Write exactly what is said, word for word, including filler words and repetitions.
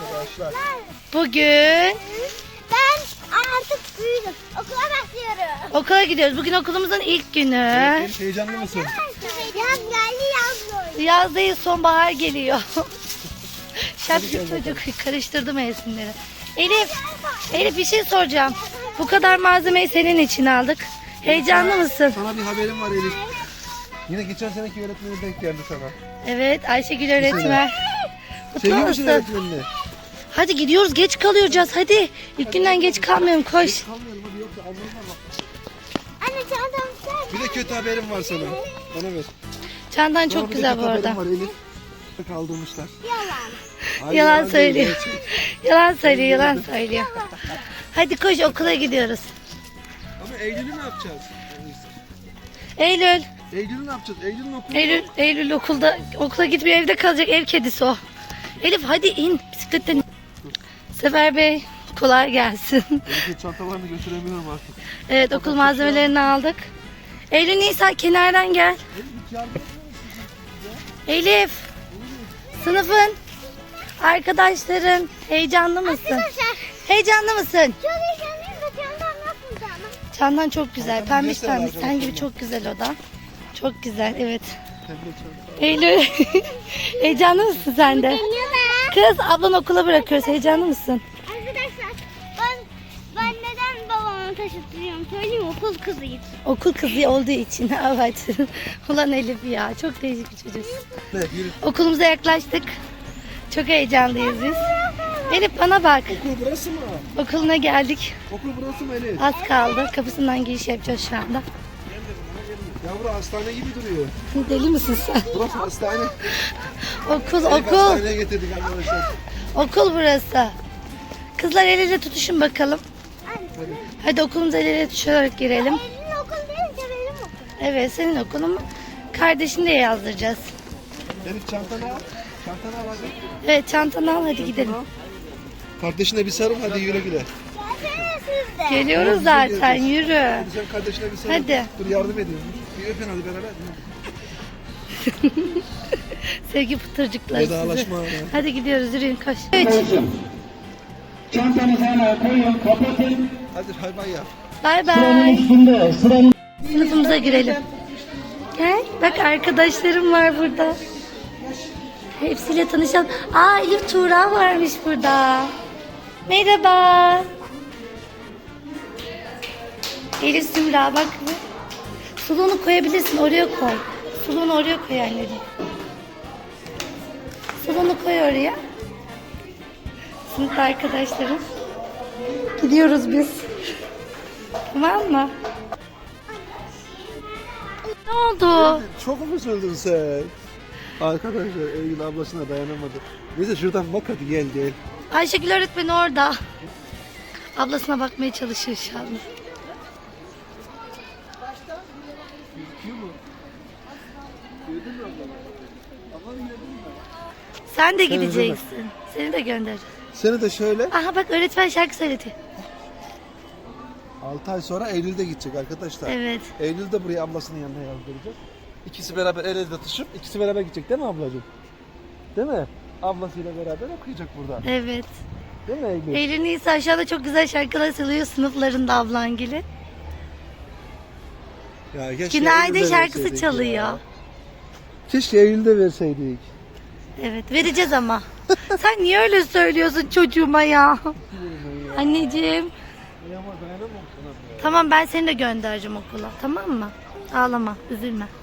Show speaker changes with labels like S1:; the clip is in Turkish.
S1: arkadaşlar.
S2: Bugün
S3: Ben artık büyüdüm. Okula başlıyorum.
S2: okula gidiyoruz. Bugün okulumuzun ilk günü.
S1: Evet, heyecanlı mısın?
S3: Yaz geldi yaz.
S2: Yaz değil, sonbahar geliyor. Şapşik çocuk karıştırdı mevsimleri. Elif, Elif bir şey soracağım. Bu kadar malzemeyi senin için aldık. Heyecanlı mısın?
S1: Sana bir haberim var Elif. Yine geçen seneki öğretmenin denk geldi sana.
S2: Evet, Ayşegül öğretmen. Mutlu
S1: Seviyor musun
S2: musun?
S1: öğretmenini?
S2: Hadi gidiyoruz, geç kalıyoruz. Hadi. İlk günden geç kalmayalım, koş.
S1: Kalmıyorum hadi yoksa anlamına bak.
S3: Anne çantamı sen.
S1: Bir de kötü haberim var sana. Bana ver.
S2: Çantan
S1: Sana
S2: çok
S1: bir de
S2: güzel
S1: kötü
S2: bu arada.
S1: haberim var Elif. Kaldırmışlar.
S3: Yalan.
S1: Hayır,
S2: Yalan
S1: değil,
S2: söylüyor.
S1: gerçek.
S2: Yalan söylüyor, yalan söylüyor. Hadi koş, okula gidiyoruz.
S1: Ama Eylül'ü ne yapacağız?
S2: Eylül,
S1: Eylül'ü ne yapacağız? Eylül'ün okulu.
S2: Eylül, Eylül okulda okula gitmiyor, evde kalacak, ev kedisi o. Elif hadi in bisikletten. Sefer Bey kolay gelsin.
S1: Elif'in çantalarını götüremiyorum artık.
S2: Evet, okul malzemelerini aldık. Eylül Nisa kenardan gel.
S1: Elif hiç yardım etmiyor musun?
S2: Elif, sınıfın, arkadaşların heyecanlı mısın?
S3: Arkadaşlar
S2: Heyecanlı mısın?
S3: çok heyecanlıyım da çantam nasıl ama?
S2: Çantan çok güzel,
S1: Çantanı
S2: pembiş
S1: göster
S2: pembiş.
S1: arkadaşlar.
S2: Sen gibi çok güzel o da. Çok güzel, evet.
S1: Pembe çanta.
S2: Eylül, heyecanlı mısın sen de?
S3: Geliyorlar.
S2: Kız, ablan okula bırakıyoruz. Heyecanlı mısın?
S3: Arkadaşlar ben ben neden babamı taşıtıyorum söyleyeyim mi? Okul kızıyım.
S2: Okul kızı olduğu için. Evet. Ulan Elif ya, çok değişik bir çocuk.
S1: Ne yürü.
S2: Okulumuza yaklaştık. Çok heyecanlıyız biz. Elif bana bak.
S1: Okul burası mı?
S2: Okuluna geldik.
S1: Okul burası mı Elif?
S2: Az kaldı. Kapısından giriş yapacağız şu anda.
S1: Ya burası hastane gibi duruyor.
S2: Deli misin sen?
S1: Burası hastane.
S2: Okul,
S1: Elif
S2: okul.
S1: hastaneye getirdik arkadaşlar.
S2: Okul burası. Kızlar el ele tutuşun bakalım.
S1: Hadi.
S2: Hadi okulumuza el ele tutuşarak girelim.
S3: Elin okul deyince benim okul.
S2: Evet, senin okulun, kardeşini de yazdıracağız.
S1: Elif çantanı al. Çantanı al hadi.
S2: Evet, çantanı al, hadi gidelim.
S1: Kardeşine bir sarıl hadi güle güle.
S3: Gelsene siz de.
S2: Geliyoruz zaten, yürü.
S1: Hadi sen kardeşine bir sarıl.
S2: Hadi.
S1: Dur yardım ediyorum. Bir öpün hadi beraber.
S2: Sevgi pıtırcıkları sizi.
S1: Vedalaşma.
S2: Hadi gidiyoruz, yürüyün, koş. Üç.
S4: Çantanızı hemen koyun, kapatın.
S1: Hadi bay bay yap.
S2: Bay
S4: Sıranın
S2: bay.
S4: üstünde, sıranın...
S2: Sınıfımıza girelim. Gel, bak arkadaşlarım var burada. Hepsiyle tanışalım. Aa, Elif Tuğra varmış burada. Merhaba. Elif Sümra bak. Suluğunu koyabilirsin, oraya koy. Suluğunu oraya koy anneciğim. Suluğunu koy oraya. Sınıf arkadaşlarım. Gidiyoruz biz. Tamam mı? Ne oldu?
S1: Çok mu üzüldün sen? Arkadaşlar Eylül ablasına dayanamadı. Neyse şuradan bak hadi gel gel.
S2: Ayşegül öğretmen orada. Ablasına bakmaya çalışıyor şu anda.
S1: Gördün mü ablanı? Ablanı gördün mü?
S2: Sen de
S1: Sen
S2: gideceksin. Seni de gönder.
S1: Seni de şöyle
S2: Aha bak, öğretmen şarkı söyledi.
S1: altı ay sonra Eylül'de gidecek arkadaşlar.
S2: Evet.
S1: Eylül'de buraya ablasının yanına yazdıracak. İkisi beraber el ele tutuşup ikisi beraber gidecek değil mi ablacığım? Değil mi? Ablasıyla beraber okuyacak burada.
S2: Evet.
S1: Değil mi Eylül?
S2: Eylül Nisa aşağıda çok güzel şarkılar söylüyor sınıflarında ablangili.
S1: Ya keşke
S2: Günaydın
S1: Eylül'de
S2: şarkısı
S1: verseydik
S2: çalıyor.
S1: ya. Keşke Eylül'de verseydik.
S2: Evet, vereceğiz ama. Sen niye öyle söylüyorsun çocuğuma ya? Anneciğim.
S1: Ay ama dayanamam sana.
S2: Tamam, ben seni de göndereceğim okula. Tamam mı? Ağlama, üzülme.